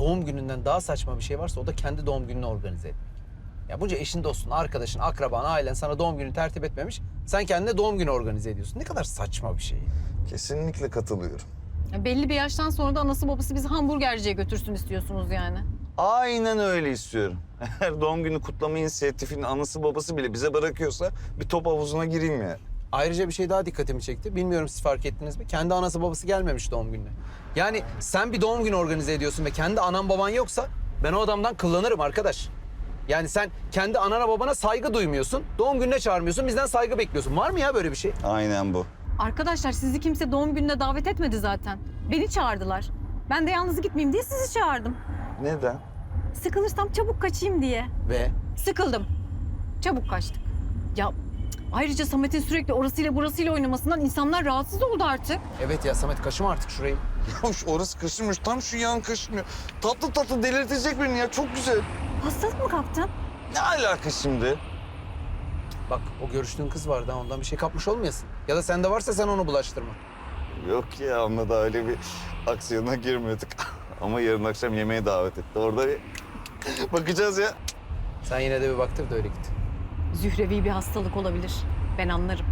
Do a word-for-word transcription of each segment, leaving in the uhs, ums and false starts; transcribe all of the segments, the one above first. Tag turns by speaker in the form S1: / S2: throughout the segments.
S1: doğum gününden daha saçma bir şey varsa o da kendi doğum gününü organize etmek. Ya bunca eşin, dostun, arkadaşın, akraban, ailen sana doğum günü tertip etmemiş. Sen kendine doğum günü organize ediyorsun. Ne kadar saçma bir şey.
S2: Kesinlikle katılıyorum.
S3: Ya belli bir yaştan sonra da anası babası bizi hamburgerciye götürsün istiyorsunuz yani.
S2: Aynen öyle istiyorum. Eğer doğum günü kutlama inisiyatifinin anası babası bile bize bırakıyorsa bir top havuzuna gireyim ya.
S1: Ayrıca bir şey daha dikkatimi çekti. Bilmiyorum siz fark ettiniz mi? Kendi anası babası gelmemiş doğum gününe. Yani sen bir doğum günü organize ediyorsun ve kendi anan baban yoksa ben o adamdan kullanırım arkadaş. Yani sen kendi anana babana saygı duymuyorsun. Doğum gününe çağırmıyorsun. Bizden saygı bekliyorsun. Var mı ya böyle bir şey?
S2: Aynen bu.
S3: Arkadaşlar sizi kimse doğum gününe davet etmedi zaten. Beni çağırdılar. Ben de yalnız gitmeyeyim diye sizi çağırdım.
S2: Neden?
S3: Sıkılırsam çabuk kaçayım diye.
S1: Ve
S3: Sıkıldım. Çabuk kaçtık. Ya cık, ayrıca Samet'in sürekli orasıyla burasıyla oynamasından insanlar rahatsız oldu artık.
S1: evet ya Samet kaşıma artık şurayı.
S2: Ya şu orası kaşınmış, tam şu yan kaşınıyor. Tatlı tatlı delirtecek beni ya, çok güzel.
S3: Hastalık mı kaptın?
S2: Ne alaka şimdi?
S1: Bak o görüştüğün kız vardı ha, ondan bir şey kapmış olmayasın. Ya da sende varsa sen onu bulaştırma.
S2: Yok ya, onunla da öyle bir aksiyona girmiyorduk. Ama yarın akşam yemeğe davet etti. Orada bir bakacağız ya.
S1: Sen yine de bir baktır da öyle git.
S3: Zührevi bir hastalık olabilir. Ben anlarım.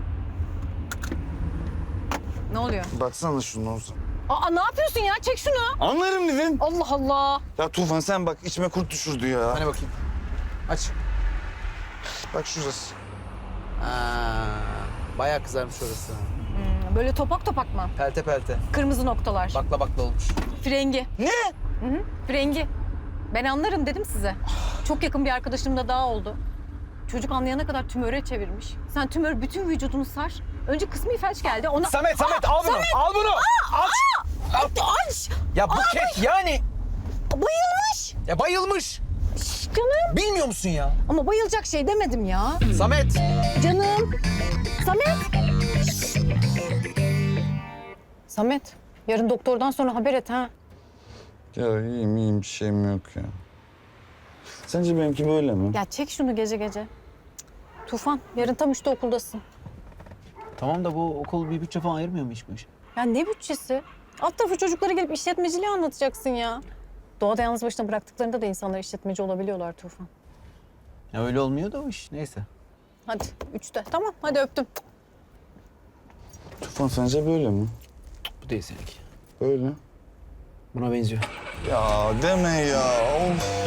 S3: Ne oluyor?
S2: Baksana şunu olsun.
S3: Aa ne yapıyorsun ya? Çek şunu.
S2: Anlarım dedin.
S3: Allah Allah.
S2: Ya Tufan sen bak, içime kurt düşürdü ya.
S1: Hani bakayım. Aç.
S2: Bak şurası.
S1: Aa, bayağı kızarmış orası.
S3: Hmm, böyle topak topak mı?
S1: Pelte pelte.
S3: Kırmızı noktalar.
S1: Bakla bakla olmuş.
S3: Frengi.
S2: Ne?
S3: Hı hı, frengi. Ben anlarım dedim size. Çok yakın bir arkadaşım da daha oldu. Çocuk anlayana kadar tümöre çevirmiş. Sen tümör bütün vücudunu sar. Önce kısmi felç geldi. Ona...
S1: Samet, Samet al bunu. Al bunu. Aç. Al.
S3: Aç!
S1: Ya Buket yani.
S3: Bayılmış!
S1: Ya bayılmış.
S3: Şş, canım.
S1: Bilmiyor musun ya?
S3: Ama bayılacak şey demedim ya.
S1: Samet.
S3: Canım. Samet. Şş. Samet. Yarın doktordan sonra haber et ha.
S2: Ya iyiyim iyiyim, bir şeyim yok ya. Sence benimki böyle mi?
S3: Ya çek şunu gece gece. Cık. Tufan, yarın tam üçte okuldasın.
S1: Tamam da bu okul bir bütçe falan ayırmıyor mu hiç bu işe?
S3: Ya ne bütçesi? Alt tarafı çocuklara gelip işletmeciliği anlatacaksın ya. Doğada yalnız başına bıraktıklarında da insanlar işletmeci olabiliyorlar Tufan.
S1: Ya öyle olmuyor da o iş. Neyse.
S3: Hadi üçte. Tamam hadi öptüm.
S2: Tufan sence böyle mi?
S1: Bu değil seninki.
S2: Böyle.
S1: Buna benziyor.
S2: Ya deme ya. Of.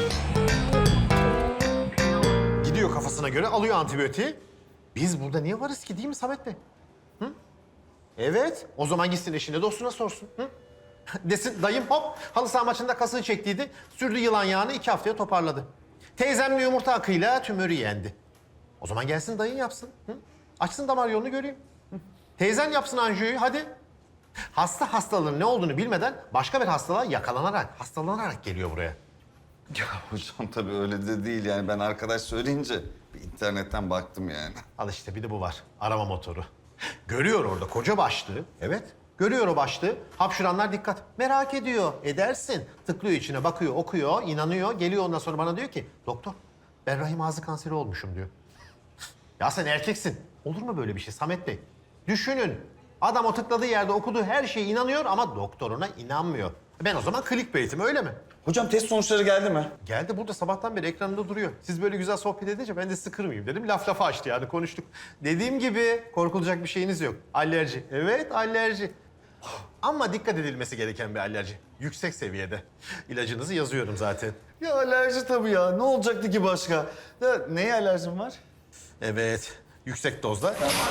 S4: Gidiyor kafasına göre, alıyor antibiyotiği. Biz burada niye varız ki, değil mi Samet Bey? Hı? Evet, o zaman gitsin eşine dostuna sorsun. Hı? Desin dayım hop halı saha maçında kasını çektiydi. Sürdü yılan yağını, iki haftaya toparladı. Teyzemle yumurta akıyla tümörü yendi. O zaman gelsin dayın yapsın. Hı? Açsın damar yolunu göreyim. Hı? Teyzen yapsın anjiyoyu hadi. Hasta hastalığın ne olduğunu bilmeden başka bir hastalığa yakalanarak, hastalanarak geliyor buraya.
S2: Ya hocam tabii öyle de değil yani, ben arkadaş söyleyince bir internetten baktım yani.
S4: Al işte bir de bu var. Arama motoru. Görüyor orada koca başlığı. Evet. Görüyor o başlığı. Hapşuranlar dikkat. Merak ediyor. Edersin. Tıklıyor içine, bakıyor, okuyor, inanıyor. Geliyor ondan sonra bana diyor ki doktor ben rahim ağzı kanseri olmuşum diyor. Ya sen erkeksin. Olur mu böyle bir şey Samet Bey? Düşünün. Adam o tıkladığı yerde okuduğu her şeye inanıyor ama doktoruna inanmıyor. Ben o zaman clickbait'im öyle mi?
S2: Hocam test sonuçları geldi mi?
S4: Geldi burada sabahtan beri ekranında duruyor. Siz böyle güzel sohbet edince ben de sıkırmayayım dedim. Laf lafa açtı yani konuştuk. Dediğim gibi korkulacak bir şeyiniz yok. Alerji. Evet alerji. Ama dikkat edilmesi gereken bir alerji. Yüksek seviyede. İlacınızı yazıyorum zaten.
S2: Ya alerji tabii ya. Ne olacaktı ki başka? Ya, neye alerjim var?
S4: Evet. Yüksek dozda.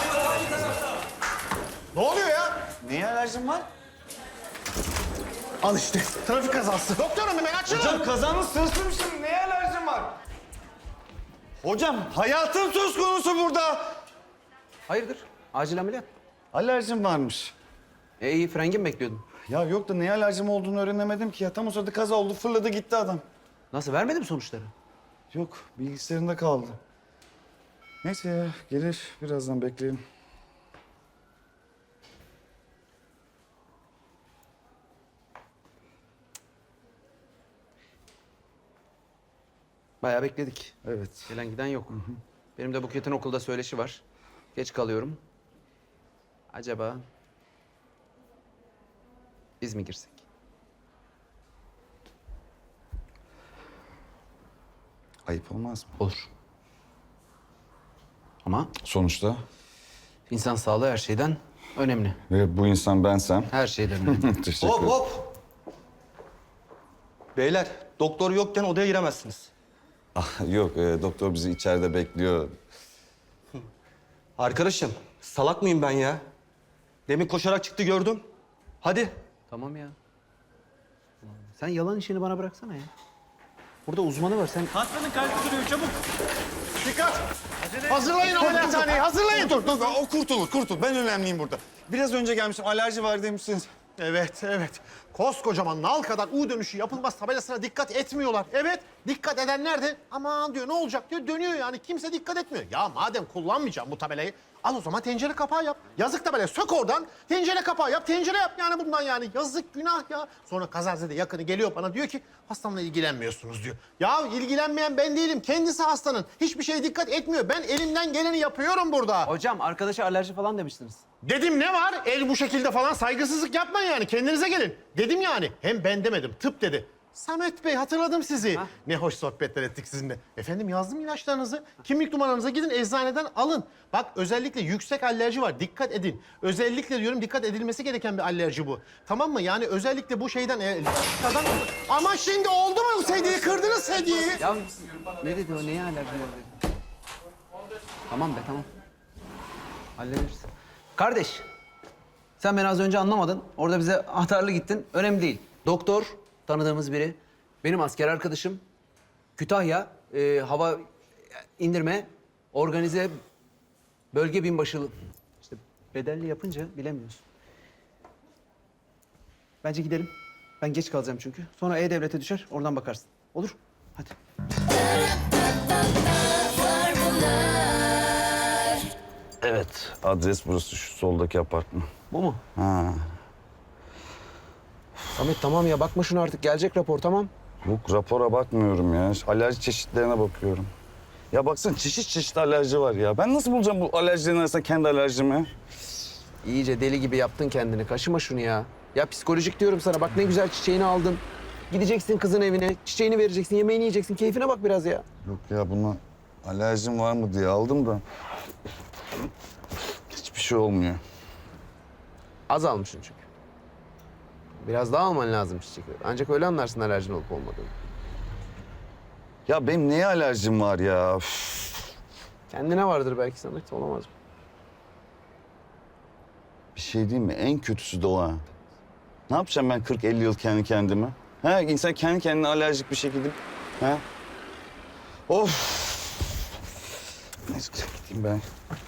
S4: Ne oluyor ya?
S2: Neye alerjim var?
S4: Al işte. Trafik kazası. Doktorum hemen açın.
S2: Hocam kazanın sırsımışım. Neye alerjim var? Hocam hayatım söz konusu burada.
S1: Hayırdır? Acil ameliyat.
S2: Alerjim varmış.
S1: E iyi frengi mi bekliyordun?
S2: Ya yok da neye alerjim olduğunu öğrenemedim ki ya. Tam o sırada kaza oldu, fırladı gitti adam.
S1: Nasıl vermedi mi sonuçları?
S2: Yok, bilgisayarında kaldı. Neyse ya, gelir. Birazdan bekleyelim.
S1: Bayağı bekledik.
S2: Evet.
S1: Gelen giden yok. Benim de Buket'in okulda söyleşi var. Geç kalıyorum. Acaba biz mi girsek?
S2: Ayıp olmaz mı?
S1: Olur. Ama
S2: Sonuçta
S1: insan sağlığı her şeyden önemli.
S2: ve bu insan bensem.
S1: Her şeyden önemli.
S2: Teşekkür
S5: Hop
S2: ederim.
S5: hop. Beyler, doktor yokken odaya giremezsiniz.
S2: Ah, yok, e, doktor bizi içeride bekliyor.
S5: Arkadaşım, salak mıyım ben ya? Demin koşarak çıktı gördüm. Hadi.
S1: Tamam ya. Sen yalan işini bana bıraksana ya. Burada uzmanı var. Sen
S6: Hastanın kalbi duruyor çabuk.
S4: Dikkat! Hazırlayın ameliyathaneyi, hazırlayın.
S2: Dur, dur, o kurtulur, kurtul. Ben önemliyim burada. Biraz önce gelmiştim, alerji var demişsiniz.
S4: Evet, evet. Koskocaman nal kadar U dönüşü yapılmaz tabelasına dikkat etmiyorlar. Evet, dikkat edenler de aman diyor ne olacak diyor dönüyor yani. Kimse dikkat etmiyor. Ya madem kullanmayacağım bu tabelayı al o zaman tencere kapağı yap. Yazık tabela sök oradan tencere kapağı yap. Tencere yap yani bundan yani. Yazık günah ya. Sonra kazazede yakını geliyor bana diyor ki hastamla ilgilenmiyorsunuz diyor. Ya ilgilenmeyen ben değilim. Kendisi hastanın. Hiçbir şeye dikkat etmiyor. Ben elimden geleni yapıyorum burada.
S1: hocam arkadaşa alerji falan demiştiniz.
S4: Dedim ne var? El bu şekilde falan saygısızlık yapmayın yani. Kendinize gelin. Dedim yani. Hem ben demedim. Tıp dedi. Samet Bey hatırladım sizi. Ne hoş sohbetler ettik sizinle. Efendim yazdım ilaçlarınızı. Kimlik numaranıza gidin eczaneden alın. Bak özellikle yüksek alerji var. Dikkat edin. Özellikle diyorum dikkat edilmesi gereken bir alerji bu. Tamam mı? Yani özellikle bu şeyden... E, kadar... Ama şimdi oldu mu sedyeyi? Kırdınız sedyeyi.
S1: Ya ne dedi o? Neye alerji var dedi? Tamam be tamam. Hallederiz. Kardeş. Sen beni az önce anlamadın. Orada bize ahtarlı gittin. Önemli değil. Doktor, tanıdığımız biri. Benim asker arkadaşım. Kütahya, e, hava indirme, organize bölge binbaşılığı. İşte bedelli yapınca bilemiyorsun. Bence gidelim. Ben geç kalacağım çünkü. Sonra E-Devlet'e düşer, oradan bakarsın. Olur? Hadi.
S2: Evet, adres burası, şu soldaki apartman.
S1: Bu mu?
S2: Ha.
S1: Samet tamam ya bakma şuna artık. Gelecek rapor tamam.
S2: Yok, rapora bakmıyorum ya. Alerji çeşitlerine bakıyorum. Ya baksana çeşit çeşit alerji var ya. Ben nasıl bulacağım bu alerjilerin arasında kendi alerjimi?
S1: İyice deli gibi yaptın kendini. Kaşıma şunu ya. Ya psikolojik diyorum sana. Bak ne güzel çiçeğini aldın. Gideceksin kızın evine. Çiçeğini vereceksin. Yemeğini yiyeceksin. Keyfine bak biraz ya.
S2: Yok ya buna alerjim var mı diye aldım da. Hiçbir şey olmuyor.
S1: Az almışsın çünkü. Biraz daha alman lazım çiçekleri. Ancak öyle anlarsın alerjin olup olmadığını.
S2: Ya benim neye alerjim var ya? Üf.
S1: Kendine vardır belki Samet. Olamaz mı?
S2: Bir şey değil mi? En kötüsü de o ha. Ne yapacağım ben kırk elli yıl kendi kendime? Ha, insan kendi kendine alerjik bir şekilde... Ha? Of! Neyse gideyim ben.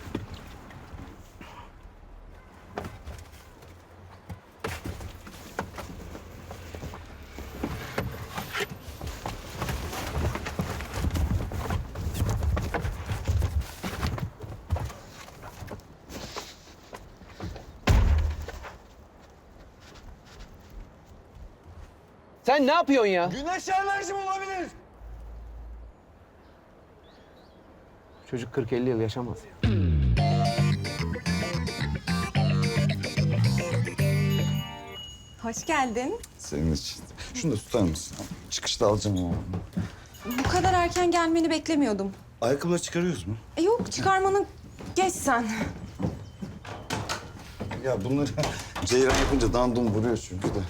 S1: Sen ne yapıyorsun ya?
S2: Güneş alerjim olabilir.
S1: Çocuk kırk elli yıl yaşamaz ya.
S7: Hoş geldin.
S2: Senin için. Şunu da tutar mısın? Çıkışta alacağım onu.
S7: Bu kadar erken gelmeni beklemiyordum.
S2: Ayakkabıları çıkarıyoruz mu?
S7: E yok çıkarmanı geç sen.
S2: Ya bunları ceyran yapınca dandum vuruyor çünkü de.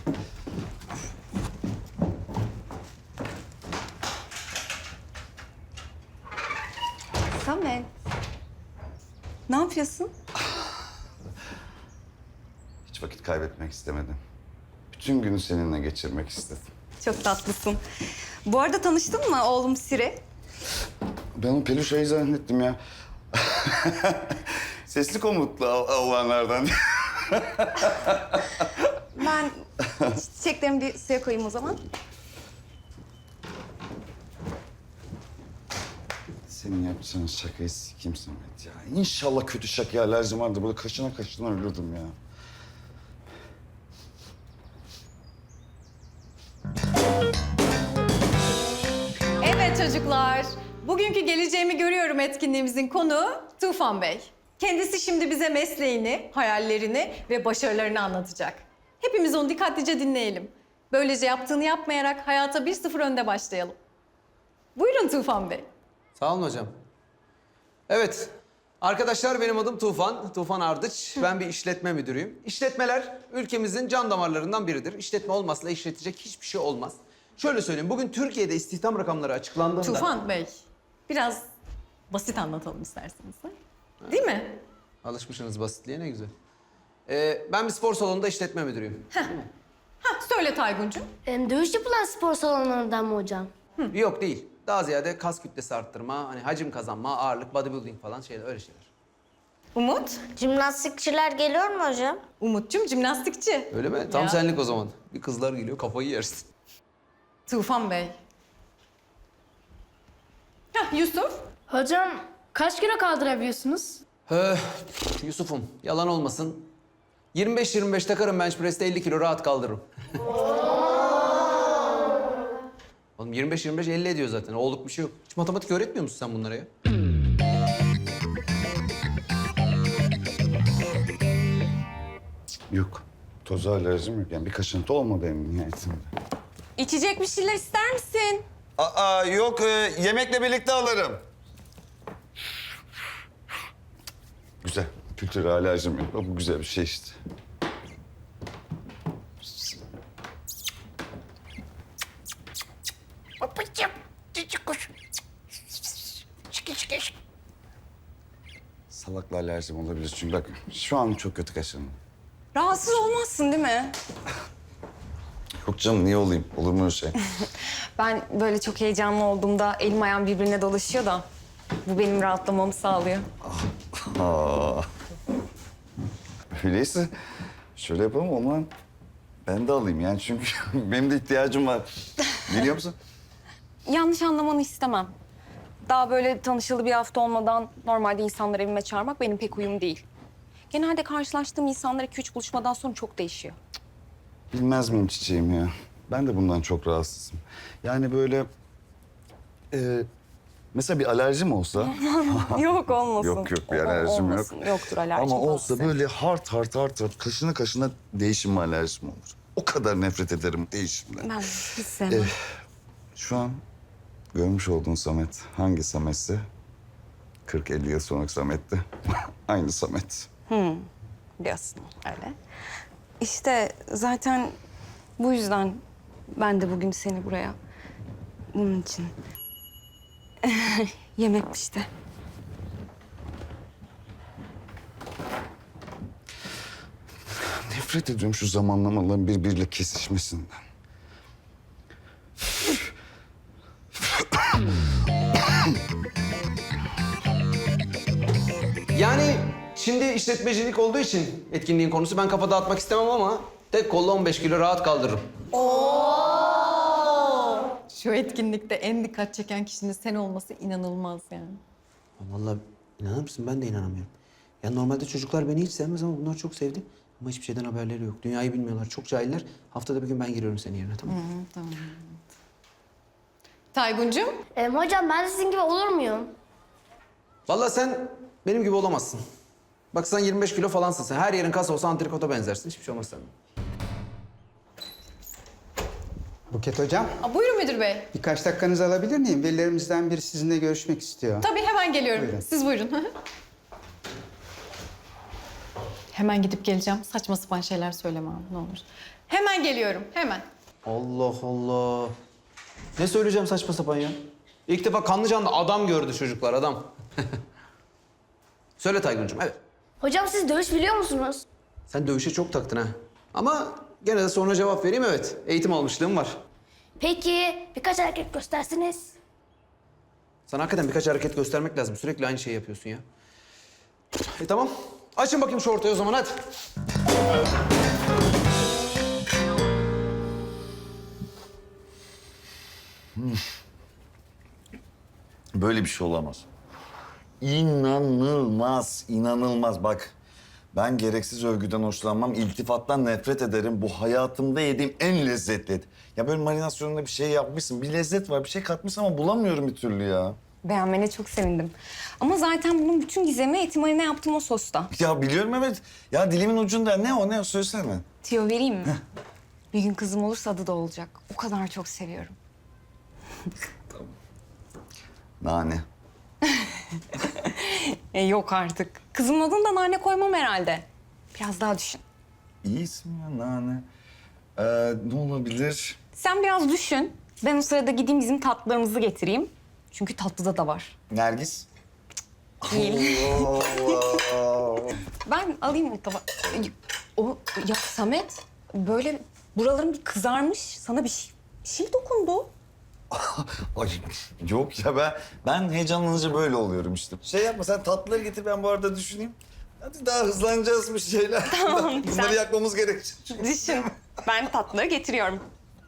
S7: Samet. Ne yapıyorsun?
S2: Hiç vakit kaybetmek istemedim. Bütün günü seninle geçirmek istedim.
S7: Çok tatlısın. Bu arada tanıştın mı oğlum Siri?
S2: Ben o peluş ayı zannettim ya. Sesli komutlu av- avlanlardan.
S7: Ben çiçeklerimi bir suya koyayım o zaman.
S2: Senin yapacağın şakayı sikeyim Samet ya. İnşallah kötü şakaya alerjim vardı. Böyle kaşına kaşına ölürdüm ya.
S3: Evet çocuklar. Bugünkü Geleceğimi Görüyorum etkinliğimizin konuğu Tufan Bey. Kendisi şimdi bize mesleğini, hayallerini ve başarılarını anlatacak. Hepimiz onu dikkatlice dinleyelim. Böylece yaptığını yapmayarak hayata bir sıfır önde başlayalım. Buyurun Tufan Bey.
S1: Sağ olun hocam. Evet. Arkadaşlar benim adım Tufan. Tufan Ardıç. Ben bir işletme müdürüyüm. İşletmeler ülkemizin can damarlarından biridir. İşletme olmazsa işletecek hiçbir şey olmaz. Şöyle söyleyeyim. Bugün Türkiye'de istihdam rakamları açıklandığında...
S3: Tufan Bey, biraz basit anlatalım isterseniz. ha? Değil mi?
S1: Alışmışsınız basitliğe, ne güzel. Ee, ben bir spor salonunda işletme müdürüyüm.
S3: Ha, söyle Tayguncuğum.
S6: Em, Dövüş yapılan spor salonlarından mı hocam?
S1: Yok değil. Daha ziyade kas kütlesi arttırma, hani hacim kazanma, ağırlık, bodybuilding falan şeyler, öyle şeyler.
S3: Umut.
S6: Jimnastikçiler geliyor mu hocam?
S3: Umut'cum jimnastikçi.
S1: Öyle mi? Tam
S3: Ya.
S1: senlik o zaman. Bir kızlar geliyor, kafayı yersin.
S3: Tufan Bey. Hah, Yusuf.
S6: Hocam kaç kilo kaldırabiliyorsunuz?
S1: Ee, Yusuf'um, yalan olmasın. yirmi beş yirmi beş takarım bench press'te elli kilo rahat kaldırırım. Oğlum yirmi beş yirmi beş elli ediyor zaten. Oğluk bir şey yok. Hiç matematik öğretmiyor musun sen bunlara ya?
S2: Yok. Toza alerjim yok. Yani bir kaşıntı olmadı en nihayetinde.
S7: İçecek bir şeyler ister misin?
S2: Aa yok. e, yemekle birlikte alırım. Güzel. Kültüre alerjim yok. Bu güzel bir şey işte.
S6: Babacığım, cici kuş. Çıkı çıkı.
S2: Salakla alerjim olabilir çünkü bak şu an çok kötü kaşındım.
S7: Rahatsız olmazsın değil mi?
S2: Yok canım niye olayım? Olur mu öyle şey?
S7: Ben böyle çok heyecanlı olduğumda elim ayağım birbirine dolaşıyor da bu benim rahatlamamı sağlıyor.
S2: Aa. Öyleyse şöyle yapalım o zaman ben de alayım yani çünkü benim de ihtiyacım var. Biliyor musun?
S7: Yanlış anlamanı istemem. Daha böyle tanışalı bir hafta olmadan normalde insanları evime çağırmak benim pek uyum değil. Genelde karşılaştığım insanlar iki üç buluşmadan sonra çok değişiyor.
S2: Bilmez miyim çiçeğim ya? Ben de bundan çok rahatsızım. Yani böyle... E, mesela bir alerjim olsa...
S7: Yok olmasın.
S2: Yok yok bir
S7: O-
S2: alerjim yok.
S7: olmasın. Yoktur alerjim.
S2: Ama olsa
S7: olmasın.
S2: böyle hart hart hart hart kaşına kaşına değişim alerjim olur. O kadar nefret ederim değişimden.
S7: Ben hiç sevmem.
S2: Şu an görmüş olduğun Samet hangi Samet'se kırk elli yıl sonraki Samet'ti. Aynı Samet.
S7: Diyorsun öyle. İşte zaten bu yüzden ben de bugün seni buraya bunun için yemek işte.
S2: Nefret ediyorum şu zamanlamaların birbiriyle kesişmesinden.
S1: Yani şimdi işletmecilik olduğu için etkinliğin konusu ben kafa dağıtmak istemem ama tek kolla on beş kilo rahat kaldırırım.
S3: Şu etkinlikte en dikkat çeken kişinin sen olması inanılmaz yani.
S1: Vallahi inanır mısın? Ben de inanamıyorum. Ya normalde çocuklar beni hiç sevmez ama bunlar çok sevdi. Ama hiçbir şeyden haberleri yok. Dünyayı bilmiyorlar. Çok cahiller. Haftada bir gün ben giriyorum senin yerine, tamam mı?
S3: Tayguncuğum.
S6: Em, hocam ben de sizin gibi olur muyum?
S1: Vallahi sen benim gibi olamazsın. Bak sen yirmi beş kilo falansın sen. Her yerin kas olsa antrikota benzersin. Hiçbir şey olmaz senden.
S8: Buket Hocam,
S3: Aa, buyurun müdür bey.
S8: birkaç dakikanızı alabilir miyim? Velilerimizden biri sizinle görüşmek istiyor.
S3: Tabii hemen geliyorum.
S8: Buyurun.
S3: Siz buyurun. Hemen gidip geleceğim. Saçma sapan şeyler söyleme abi ne olur. Hemen geliyorum, hemen.
S1: Allah Allah. Ne söyleyeceğim saçma sapan ya? İlk defa kanlı canlı adam gördü çocuklar, adam. Söyle Tayguncuğum, evet.
S6: Hocam siz dövüş biliyor musunuz?
S1: Sen dövüşe çok taktın ha. Ama gene de sonra cevap vereyim, evet. Eğitim almışlığım var.
S6: Peki birkaç hareket gösterseniz.
S1: Sana hakikaten birkaç hareket göstermek lazım. Sürekli aynı şeyi yapıyorsun ya. E tamam. Açın bakayım şu ortaya o zaman, hadi.
S2: Böyle bir şey olamaz. İnanılmaz, inanılmaz. Bak ben gereksiz övgüden hoşlanmam, iltifattan nefret ederim. Bu hayatımda yediğim en lezzetli et. Ya böyle marinasyonunda bir şey yapmışsın, bir lezzet var, bir şey katmışsın ama bulamıyorum bir türlü ya.
S7: Beğenmene çok sevindim. Ama zaten bunun bütün gizemi eti marine yaptım o sosta.
S2: Ya biliyorum evet. Ya dilimin ucunda ne o ne o söylesene.
S7: Tüyo vereyim mi? Bir gün kızım olursa adı da olacak. O kadar çok seviyorum.
S2: Nane.
S7: E, yok artık. Kızımın adını da Nane koymam herhalde. Biraz daha düşün.
S2: İyi isim ya, Nane. Ee, ne olabilir?
S7: Sen biraz düşün. Ben o sırada gideyim bizim tatlılarımızı getireyim. Çünkü tatlıda da var.
S2: Nergis.
S7: Değil.
S2: Allah.
S7: Ben alayım o tabağı. O ya Samet böyle buraların bir kızarmış. Sana bir şey, bir şey dokundu.
S2: Ay yok ya, ben ben heyecanlanınca böyle oluyorum işte. Şey yapma, sen tatlıları getir, ben bu arada düşüneyim. Hadi daha hızlanacağız bir şeyler.
S7: Tamam,
S2: Bunları
S7: sen-
S2: yakmamız gerekecek.
S7: Düşün. Ben tatlıları getiriyorum.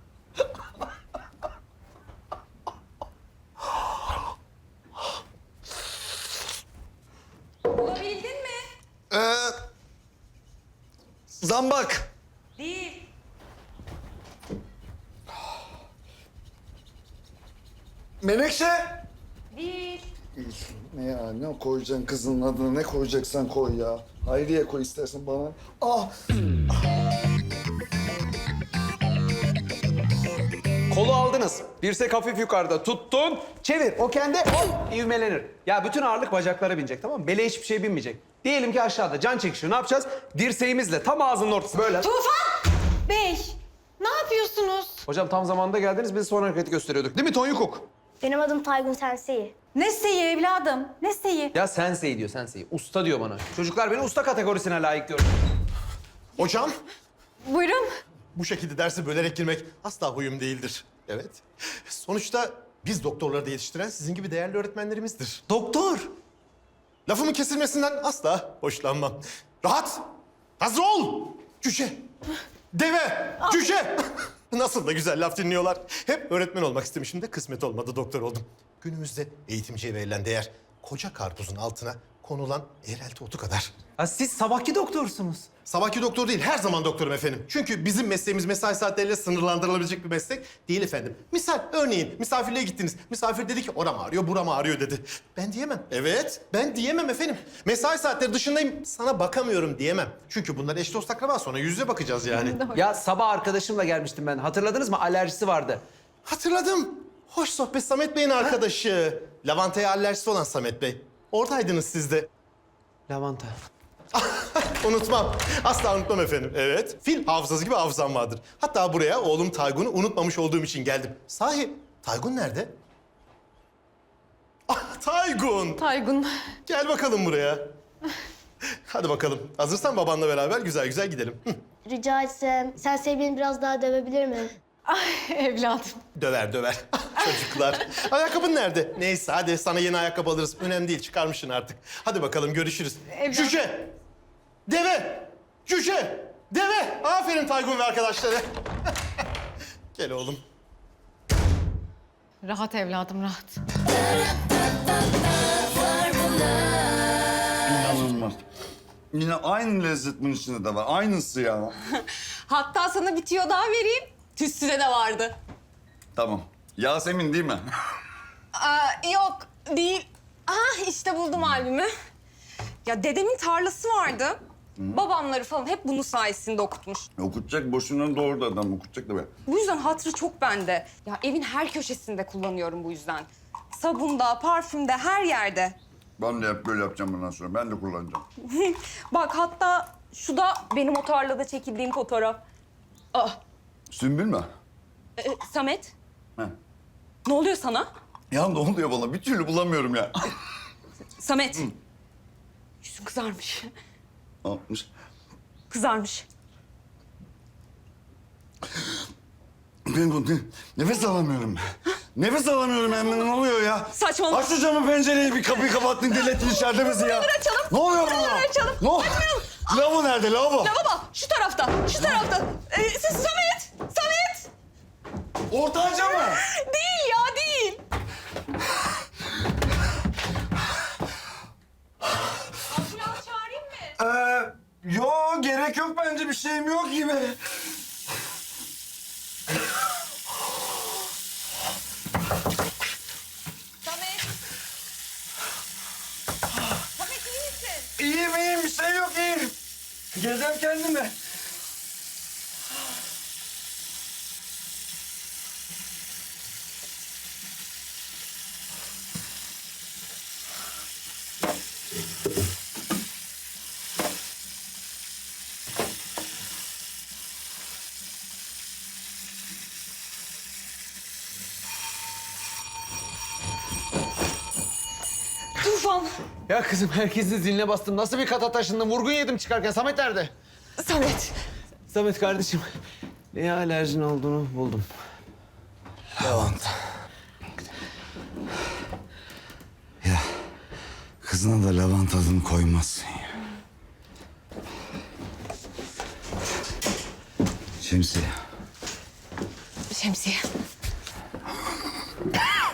S7: Bulabildin mi?
S2: Ee, zambak.
S7: Değil.
S2: Menekşe.
S7: Değil.
S2: Ne ya, ne koyacaksın kızının adını, ne koyacaksan koy ya. Hayriye koy istersen bana. Ah.
S1: Kolu aldınız. Dirsek hafif yukarıda tuttun. Çevir. O kendi hop ivmelenir. Ya bütün ağırlık bacaklara binecek, tamam mı? Bele hiçbir şey binmeyecek. Diyelim ki aşağıda can çekişiyor. Ne yapacağız? Dirseğimizle tam ağzının ortası böyle.
S3: Tufan Bey, ne yapıyorsunuz?
S1: Hocam tam zamanında geldiniz. Biz son hareketi gösteriyorduk. Değil mi Tonyukuk?
S6: Benim adım Taygun Sensei.
S3: Ne seyi evladım, ne seyi?
S1: Ya sensei diyor, sensei. Usta diyor bana. Çocuklar beni usta kategorisine layık diyor.
S4: Hocam,
S3: Buyurun.
S4: bu şekilde dersi bölerek girmek asla huyum değildir. Evet. Sonuçta biz doktorları da yetiştiren sizin gibi değerli öğretmenlerimizdir.
S1: Doktor.
S4: Lafımın kesilmesinden asla hoşlanmam. Rahat! Hazır ol! Cüce! Deve! Cüce! Nasıl da güzel laf dinliyorlar. Hep öğretmen olmak istemişim de kısmet olmadı, doktor oldum. Günümüzde eğitimciye verilen değer koca karpuzun altına konulan eğrelti otu kadar.
S1: Ha, siz sabahki doktorsunuz.
S4: Sabahki doktor değil, her zaman doktorum efendim. Çünkü bizim mesleğimiz mesai saatleriyle sınırlandırılabilecek bir meslek değil efendim. Misal, örneğin misafirliğe gittiniz. Misafir dedi ki oram ağrıyor, buram ağrıyor dedi. Ben diyemem. Evet, ben diyemem efendim. Mesai saatleri dışındayım, sana bakamıyorum diyemem. Çünkü bunlar eş dost akraba, sonra yüz yüze bakacağız yani.
S1: Ya sabah arkadaşımla gelmiştim ben. Hatırladınız mı? Alerjisi vardı.
S4: Hatırladım. Hoş sohbet, Samet Bey'in arkadaşı. Lavantaya alerjisi olan Samet Bey. Oradaydınız siz de.
S1: Lavanta.
S4: Unutmam. Asla unutmam efendim. Evet. Fil hafızası gibi hafızam vardır. Hatta buraya oğlum Taygun'u unutmamış olduğum için geldim. Sahi Taygun nerede? Ah, Taygun.
S3: Taygun.
S4: Gel bakalım buraya. Hadi bakalım. Hazırsan babanla beraber güzel güzel gidelim. Hı.
S6: Rica etsem Sensei beni biraz daha dövebilir mi?
S3: Ay evladım.
S4: Döver döver. Çocuklar. Ayakkabın nerede? Neyse hadi sana yeni ayakkabı alırız. Önemli değil, çıkarmışsın artık. Hadi bakalım, görüşürüz.
S3: Evlat-
S4: Cüce! Deve! Cüce! Deve! Aferin Taygun ve arkadaşları. Gel oğlum.
S3: Rahat evladım, rahat.
S2: İnanılmaz. Yine aynı lezzet bunun içinde de var. Aynısı ya.
S7: Hatta sana bir tüyo daha vereyim. Tütsüde de vardı.
S2: Tamam. Yasemin değil mi?
S7: Aa, yok değil. Ah işte buldum albümü. Ya dedemin tarlası vardı. Babamları falan hep bunun sayesinde okutmuş.
S2: Okutacak, boşuna doğurdu adam. Okutacak da be.
S7: Bu yüzden hatırı çok bende. Ya evin her köşesinde kullanıyorum bu yüzden. Sabunda, parfümde, her yerde.
S2: Ben de hep böyle yapacağım bundan sonra. Ben de kullanacağım.
S7: Bak hatta şu da benim o tarlada çekildiğim fotoğraf. Ah,
S2: Sümbül mü?
S7: e, Samet,
S2: He.
S7: ne oluyor sana?
S2: Ya ne oluyor bana? Bir türlü bulamıyorum ya.
S7: Samet, yüzün kızarmış.
S2: Ne yapmış?
S7: Kızarmış.
S2: Ben bu ne- nefes alamıyorum. Nefes alamıyorum hemen. Ne oluyor ya?
S7: Saçmalama.
S2: Aç şu camı, pencereyi, bir kapıyı kapattın, delirttin içeride bizi ya.
S7: açalım.
S2: Ne oluyor
S7: Buraları
S2: burada?
S7: açalım.
S2: Ne oluyor? Lavabo nerede, lavabo?
S7: Ya baba, şu tarafta, şu tarafta. Ee, siz Samet, Samet.
S2: Ortanca mı?
S7: Değil ya, değil. Ambulans çağırayım mı?
S2: Ee, yo, gerek yok bence. Bir şeyim yok gibi.
S7: Samet. Samet iyi misin?
S2: İyiyim, iyiyim. Bir şey yok, iyiyim. Gezeceğim kendimi.
S7: Tamam.
S1: Ya kızım herkesin ziline bastım. Nasıl bir kata taşındım? Vurgun yedim çıkarken. Samet nerede?
S7: Samet.
S1: Samet kardeşim. Neye alerjin olduğunu buldum.
S2: Lavanta. Ya kızına da lavanta adını koymazsın ya. Şemsiye.
S7: Şemsiye.